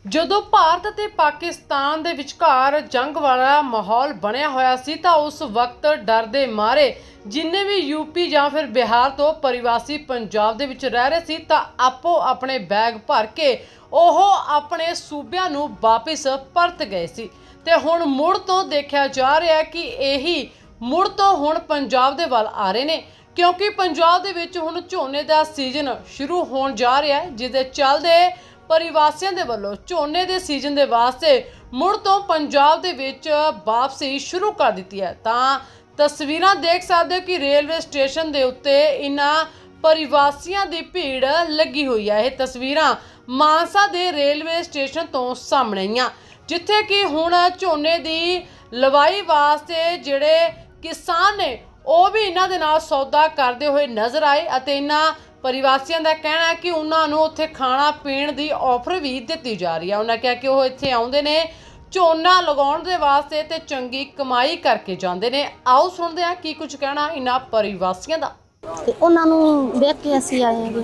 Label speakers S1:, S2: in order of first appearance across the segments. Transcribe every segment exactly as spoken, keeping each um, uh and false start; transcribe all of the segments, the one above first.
S1: ਜਦੋਂ ਭਾਰਤ ਅਤੇ ਪਾਕਿਸਤਾਨ ਦੇ ਵਿਚਕਾਰ ਜੰਗ ਵਾਲਾ ਮਾਹੌਲ ਬਣਿਆ ਹੋਇਆ ਸੀ ਤਾਂ ਉਸ ਵਕਤ ਡਰ ਦੇ ਮਾਰੇ ਜਿੰਨੇ ਵੀ ਯੂਪੀ ਜਾਂ ਫਿਰ ਬਿਹਾਰ ਤੋਂ ਪ੍ਰਵਾਸੀ ਪੰਜਾਬ ਦੇ ਵਿੱਚ ਰਹਿ ਰਹੇ ਸੀ ਤਾਂ ਆਪੋ ਆਪਣੇ ਬੈਗ ਭਰ ਕੇ ਉਹ ਆਪਣੇ ਸੂਬਿਆਂ ਨੂੰ ਵਾਪਿਸ ਪਰਤ ਗਏ ਸੀ ਤੇ ਹੁਣ ਮੁੜ ਤੋਂ ਦੇਖਿਆ ਜਾ ਰਿਹਾ ਕਿ ਇਹੀ ਮੁੜ ਤੋਂ ਹੁਣ ਪੰਜਾਬ ਦੇ ਵੱਲ ਆ ਰਹੇ ਨੇ ਕਿਉਂਕਿ ਪੰਜਾਬ ਦੇ ਵਿੱਚ ਹੁਣ ਝੋਨੇ ਦਾ ਸੀਜ਼ਨ ਸ਼ੁਰੂ ਹੋਣ ਜਾ ਰਿਹਾ ਹੈ ਜਿਸ ਦੇ ਚੱਲਦੇ ਪ੍ਰਵਾਸੀਆਂ ਦੇ ਵੱਲੋਂ ਝੋਨੇ ਦੇ ਸੀਜ਼ਨ ਦੇ ਵਾਸਤੇ ਮੁੜ ਤੋਂ ਪੰਜਾਬ ਦੇ ਵਿੱਚ ਵਾਪਸੀ ਸ਼ੁਰੂ ਕਰ ਦਿੱਤੀ ਹੈ। ਤਾਂ ਤਸਵੀਰਾਂ ਦੇਖ ਸਕਦੇ ਹੋ ਕਿ ਰੇਲਵੇ ਸਟੇਸ਼ਨ ਦੇ ਉੱਤੇ ਇਹਨਾਂ ਪ੍ਰਵਾਸੀਆਂ ਦੀ ਭੀੜ ਲੱਗੀ ਹੋਈ ਹੈ। ਇਹ ਤਸਵੀਰਾਂ ਮਾਨਸਾ ਦੇ ਰੇਲਵੇ ਸਟੇਸ਼ਨ ਤੋਂ ਸਾਹਮਣੇ ਆਈਆਂ ਜਿੱਥੇ ਕਿ ਹੁਣ ਝੋਨੇ ਦੀ ਲਵਾਈ ਵਾਸਤੇ ਜਿਹੜੇ ਕਿਸਾਨ ਨੇ ਉਹ ਵੀ ਇਹਨਾਂ ਦੇ ਨਾਲ ਸੌਦਾ ਕਰਦੇ ਹੋਏ ਨਜ਼ਰ ਆਏ ਅਤੇ ਇਹਨਾਂ ਪ੍ਰਵਾਸੀਆਂ ਦਾ ਕਹਿਣਾ ਹੈ ਕਿ ਉਹਨਾਂ ਨੂੰ ਉੱਥੇ ਖਾਣਾ ਪੀਣ ਦੀ ਆਫਰ ਵੀ ਦਿੱਤੀ ਜਾ ਰਹੀ ਹੈ। ਉਹਨਾਂ ਕਿਹਾ ਕਿ ਉਹ ਇੱਥੇ ਆਉਂਦੇ ਨੇ ਝੋਨਾ ਲਗਾਉਣ ਦੇ ਵਾਸਤੇ ਤੇ ਚੰਗੀ ਕਮਾਈ ਕਰਕੇ ਜਾਂਦੇ ਨੇ। ਆਓ ਸੁਣਦੇ ਹਾਂ ਕੀ ਕੁਝ ਕਹਿਣਾ ਇਹਨਾਂ ਪ੍ਰਵਾਸੀਆਂ ਦਾ।
S2: ਤੇ ਉਹਨਾਂ ਨੂੰ ਦੇਖ ਕੇ ਅਸੀਂ ਆਏ ਹੈਗੇ।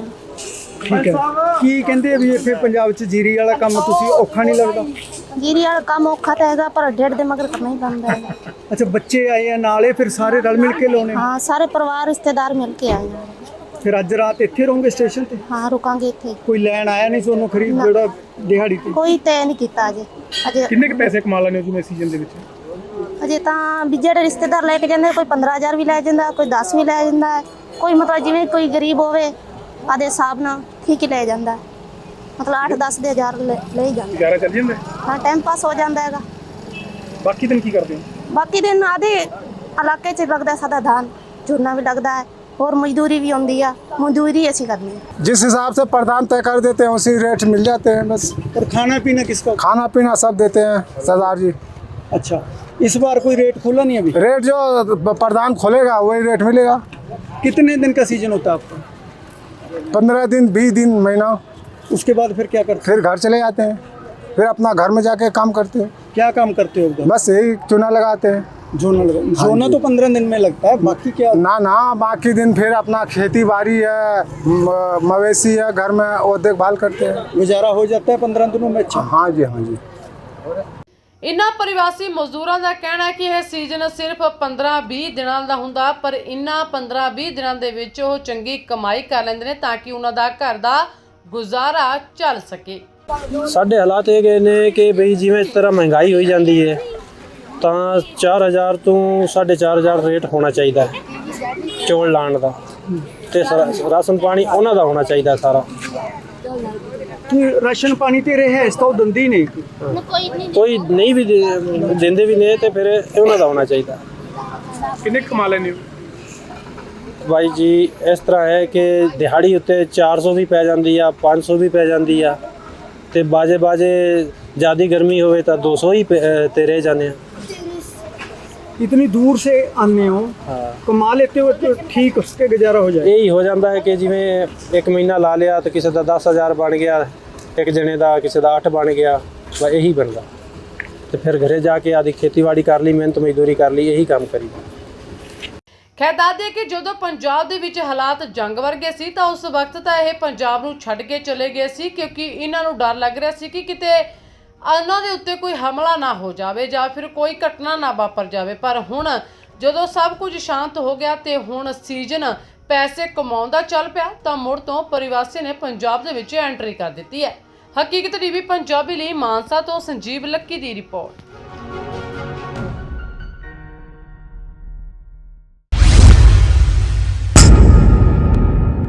S3: ਠੀਕ ਹੈ, ਕੀ ਕਹਿੰਦੇ ਵੀ ਇੱਥੇ ਪੰਜਾਬ 'ਚ ਜੀਰੀ ਵਾਲਾ ਕੰਮ ਤੁਸੀਂ ਔਖਾ ਨਹੀਂ ਲੱਗਦਾ?
S2: ਜੀਰੀ ਵਾਲਾ ਕੰਮ ਔਖਾ ਤਾਂ ਹੈਗਾ ਪਰ ਡੇਢ ਦੇ ਮਗਰ ਕਰਨਾ ਹੀ ਪੈਂਦਾ ਹੈ।
S3: ਅੱਛਾ, ਬੱਚੇ ਆਏ ਆ ਨਾਲੇ ਫਿਰ ਸਾਰੇ ਰਲ ਮਿਲ ਕੇ ਲਾਉਣੇ?
S2: ਹਾਂ, ਸਾਰੇ ਪਰਿਵਾਰ ਰਿਸ਼ਤੇਦਾਰ ਮਿਲ ਕੇ ਆਏ ਹਾਂ।
S3: ਫਿਰ ਅੱਜ ਰਾਤ ਇੱਥੇ ਰਹੋਗੇ ਸਟੇਸ਼ਨ ਤੇ?
S2: ਹਾਂ, ਰੁਕਾਂਗੇ ਇੱਥੇ।
S3: ਕੋਈ ਲੈਣ ਆਇਆ ਨਹੀਂ ਤੁਹਾਨੂੰ ਖਰੀਦ ਜਿਹੜਾ ਦਿਹਾੜੀ ਤੇ?
S2: ਕੋਈ ਤੈਅ ਨਹੀਂ ਕੀਤਾ ਅਜੇ। ਅਜੇ
S3: ਕਿੰਨੇ ਕੁ ਪੈਸੇ ਕਮਾ ਲੈਣੇ ਹੋ ਜਿਵੇਂ ਸੀਜ਼ਨ ਦੇ ਵਿੱਚ?
S2: ਅਜੇ ਤਾਂ ਵੀ ਜਿਹੜੇ ਰਿਸ਼ਤੇਦਾਰ ਲੈ ਕੇ ਜਾਂਦੇ ਕੋਈ ਪੰਦਰਾਂ ਹਜ਼ਾਰ ਵੀ ਲੈ ਜਾਂਦਾ, ਕੋਈ ਦਸ ਵੀ ਲੈ ਜਾਂਦਾ, ਕੋਈ ਮਤਲਬ ਜਿਵੇਂ ਕੋਈ ਗਰੀਬ ਹੋਵੇ ਆਦੇ ਹਿਸਾਬ ਨਾਲ ਠੀਕ ਹੀ ਲੈ ਜਾਂਦਾ, ਮਤਲਬ ਅੱਠ ਦਸ ਦੇ ਹਜ਼ਾਰ ਲੈ ਲੈ ਜਾਂਦਾ।
S3: ਗੁਜ਼ਾਰਾ ਚੱਲ ਜਾਂਦਾ?
S2: ਹਾਂ, ਟਾਈਮ ਪਾਸ ਹੋ ਜਾਂਦਾ ਹੈਗਾ।
S3: ਬਾਕੀ ਦਿਨ ਕੀ ਕਰਦੇ ਹੋ?
S2: ਬਾਕੀ ਦਿਨ ਆਦੇ ਇਲਾਕੇ 'ਚ ਲੱਗਦਾ ਸਾਡਾ धान ਝੋਨਾ ਵੀ ਲੱਗਦਾ ਹੈ और मजदूरी भी होती है, मजदूरी ऐसी करनी है।
S4: जिस हिसाब से प्रधान तय कर देते हैं उसी रेट मिल जाते हैं बस।
S3: और खाना पीना किसका?
S4: खाना पीना सब देते हैं सरदार जी।
S3: अच्छा, इस बार कोई रेट खोला नहीं अभी?
S4: रेट जो प्रधान खोलेगा वही रेट मिलेगा।
S3: कितने दिन का सीजन होता है आपका?
S4: पंद्रह दिन बीस दिन महीना।
S3: उसके बाद फिर क्या करते?
S4: फिर घर चले जाते हैं, फिर अपना घर में जाके काम करते हैं।
S3: क्या काम करते हो?
S4: बस यही चूना लगाते हैं।
S3: जोना लगा जोना तो पंद्रह दिन में लगता है, बाकी क्या?
S4: ना ना बाकी दिन फिर अपना खेती बाड़ी है, मवेशी है घर में, वो देखभाल करते हैं।
S3: गुजारा हो जाता है पंद्रह दिनों में? अच्छा,
S4: हाँ जी हाँ जी।
S1: ਇਨ੍ਹਾਂ ਪ੍ਰਵਾਸੀ ਮਜ਼ਦੂਰਾਂ ਦਾ ਕਹਿਣਾ ਹੈ ਕਿ ਇਹ ਸੀਜ਼ਨ ਸਿਰਫ ਪੰਦਰਾਂ ਵੀਹ ਦਿਨਾਂ ਦਾ ਹੁੰਦਾ ਪਰ ਇਨ੍ਹਾਂ ਪੰਦਰਾਂ ਵੀਹ ਦਿਨਾਂ ਦੇ ਵਿੱਚ ਉਹ ਚੰਗੀ ਕਮਾਈ ਕਰ ਲੈਂਦੇ ਨੇ ਤਾਂ ਕਿ ਉਹਨਾਂ ਦਾ ਘਰ ਦਾ ਗੁਜ਼ਾਰਾ ਚੱਲ ਸਕੇ।
S5: ਸਾਡੇ ਹਾਲਾਤ ਇਹ ਗਏ ਨੇ ਕਿ ਬਈ ਜਿਵੇਂ ਇਸ ਤਰ੍ਹਾਂ ਮਹਿੰਗਾਈ ਹੋਈ ਜਾਂਦੀ ਹੈ ਤਾਂ ਚਾਰ ਹਜ਼ਾਰ ਤੋਂ ਸਾਢੇ ਚਾਰ ਹਜ਼ਾਰ ਰੇਟ ਹੋਣਾ ਚਾਹੀਦਾ ਚੌਲ ਲਾਣ ਦਾ ਤੇ ਰਾਸ਼ਨ ਪਾਣੀ ਉਹਨਾਂ ਦਾ ਹੋਣਾ ਚਾਹੀਦਾ ਸਾਰਾ।
S3: ਰਾਸ਼ਨ ਪਾਣੀ ਤੇ ਰਹੇ ਇਸ ਤੋਂ ਦੰਦੀ ਨਹੀਂ
S5: ਕੋਈ ਨਹੀਂ ਵੀ ਦਿੰਦੇ ਵੀ ਨੇ ਤੇ ਫਿਰ ਉਹਨਾਂ ਦਾ ਹੋਣਾ ਚਾਹੀਦਾ।
S3: ਕਿੰਨੇ ਕਮਾ ਲੈਣੇ ਹੋ?
S5: ਬਾਈ ਜੀ ਇਸ ਤਰ੍ਹਾਂ ਹੈ ਕਿ ਦਿਹਾੜੀ ਉੱਤੇ ਚਾਰ ਸੌ ਵੀ ਪੈ ਜਾਂਦੀ ਆ, ਪੰਜ ਸੌ ਵੀ ਪੈ ਜਾਂਦੀ ਆ ਤੇ ਬਾਜੇ ਬਾਜੇ ਜ਼ਿਆਦਾ ਗਰਮੀ ਹੋਵੇ ਤਾਂ ਦੋ ਸੌ ਹੀ ਤੇ ਰਹਿ ਜਾਂਦੇ ਆ।
S3: इतनी दूर से आने हो,
S5: हाँ,
S3: कमा लेते हो तो ठीक उसके गुजारा हो जाए।
S5: ਇਹੀ ਹੋ ਜਾਂਦਾ ਹੈ ਕਿ ਜਿਵੇਂ ਇੱਕ ਮਹੀਨਾ ਲਾ ਲਿਆ ਤਾਂ ਕਿਸੇ ਦਾ ਦਸ ਹਜ਼ਾਰ ਬਣ ਗਿਆ, ਇੱਕ ਜਣੇ ਦਾ ਕਿਸੇ ਦਾ ਅੱਠ ਬਣ ਗਿਆ, ਬਸ ਇਹੀ ਬਣਦਾ ਤੇ ਫਿਰ ਘਰੇ ਜਾ ਕੇ ਆਦੀ ਖੇਤੀਬਾੜੀ ਕਰ ਲਈ, ਮਿਹਨਤ ਮਜ਼ਦੂਰੀ ਕਰ ਲਈ, ਇਹੀ ਕੰਮ ਕਰੀ।
S1: ਖੈਰ ਦੱਸ ਦਈਏ ਕਿ ਜਦੋਂ ਪੰਜਾਬ ਦੇ ਵਿੱਚ ਹਾਲਾਤ ਜੰਗ ਵਰਗੇ ਸੀ ਤਾਂ ਉਸ ਵਕਤ ਤਾਂ ਇਹ ਪੰਜਾਬ ਨੂੰ ਛੱਡ ਕੇ ਚਲੇ ਗਏ ਸੀ ਕਿਉਂਕਿ ਇਹਨਾਂ ਨੂੰ ਡਰ ਲੱਗ ਰਿਹਾ ਸੀ ਕਿ ਕਿਤੇ ਉਹਨਾਂ ਦੇ ਉੱਤੇ ਕੋਈ ਹਮਲਾ ਨਾ ਹੋ ਜਾਵੇ ਜਾਂ ਫਿਰ ਕੋਈ ਘਟਨਾ ਨਾ ਵਾਪਰ ਜਾਵੇ। ਪਰ ਹੁਣ ਜਦੋਂ ਸਭ ਕੁਝ ਸ਼ਾਂਤ ਹੋ ਗਿਆ ਤੇ ਹੁਣ ਸੀਜ਼ਨ ਪੈਸੇ ਕਮਾਉਣ ਦਾ ਚੱਲ ਪਿਆ ਤਾਂ ਮੁੜ ਤੋਂ ਪ੍ਰਵਾਸੀ ਨੇ ਪੰਜਾਬ ਦੇ ਵਿੱਚ ਐਂਟਰੀ ਕਰ ਦਿੱਤੀ ਹੈ। ਹਕੀਕਤ ਟੀਵੀ ਪੰਜਾਬੀ ਲਈ ਮਾਨਸਾ ਤੋਂ ਸੰਜੀਵ ਲੱਕੀ ਦੀ ਰਿਪੋਰਟ।